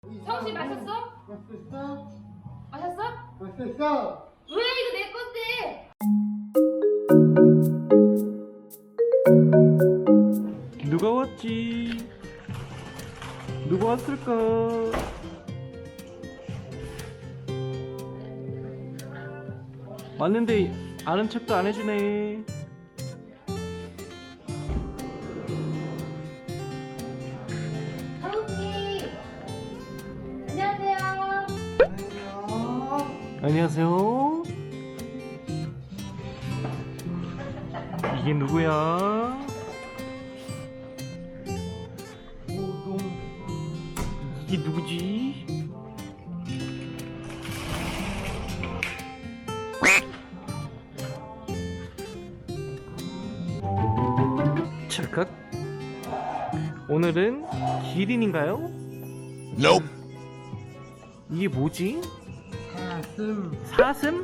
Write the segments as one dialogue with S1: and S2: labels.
S1: 성씨 마셨어?
S2: 맛있어?
S1: 마셨어?
S2: 맛있어?
S1: 왜 이거 내 건데?
S3: 누가 왔지? 누가 왔을까? 왔는데 아는 척도 안 해주네.
S1: 하우씨 안녕하세요.
S3: 안녕하세요. 이게 누구야? 이게 누구지? 찰칵. 오늘은 기린인가요?
S4: Nope.
S3: 이게 뭐지?
S2: 가슴.
S3: 사슴?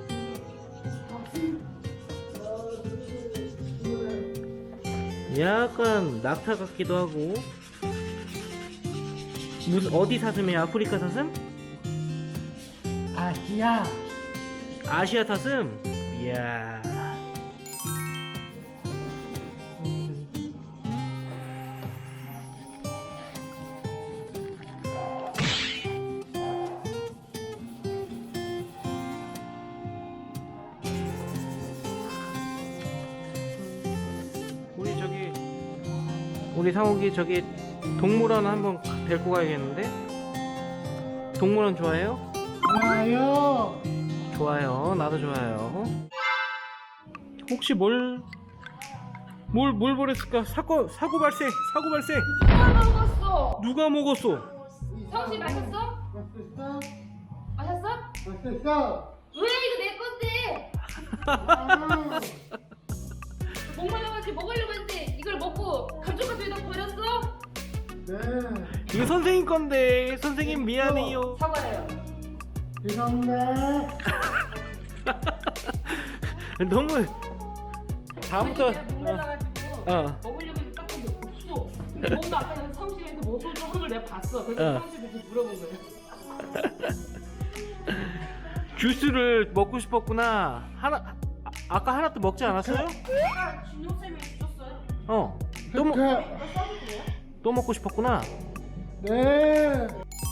S3: 약간 낙타 같기도 하고. 무슨 어디 사슴이야? 아프리카 사슴?
S2: 아시아.
S3: 아시아 사슴? 이야. 우리 상욱이 저기 동물원 한번 데리고 가야겠는데? 동물원 좋아해요?
S2: 좋아요.
S3: 좋아요. 나도 좋아요. 혹시 뭘 버렸을까? 사고 발생!
S1: 누가 먹었어?
S3: 누가 먹었어?
S1: 성씨 마셨어?
S2: 맛있어?
S1: 마셨어?
S2: 맛있어?
S1: 왜 이거 내 건데?
S2: 아,
S1: 목말라가지고 먹으려고 했는데 이걸 먹고 감쪽같이 다 버렸어?
S2: 네.
S3: 이거 선생님 건데 선생님 미안해요.
S1: 사과해요.
S2: 죄송합니다.
S3: 너무 다음부터
S1: 목말라가지고
S3: 어.
S1: 먹으려고 했는데 딱 보면 없어. 근데 뭔가 아까 성씨한테 먹을 거 하는 걸 내가 봤어. 그래서
S3: 어.
S1: 성씨한테 물어본 거야.
S3: 주스를 먹고 싶었구나. 아까 하나 또 먹지 않았어요?
S1: 아까 준용쌤이 주셨어요.
S3: 또
S1: 이거 써주세요.
S3: 또 먹고 싶었구나.
S2: 네.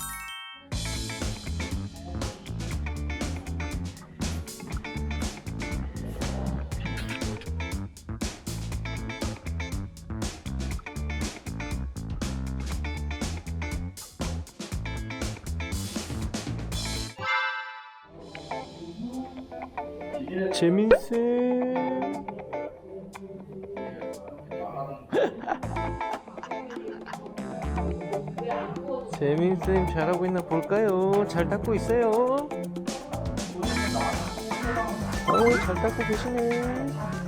S3: 재민쌤. 재민쌤 잘하고 있나 볼까요? 잘 닦고 있어요. 잘 닦고 계시네.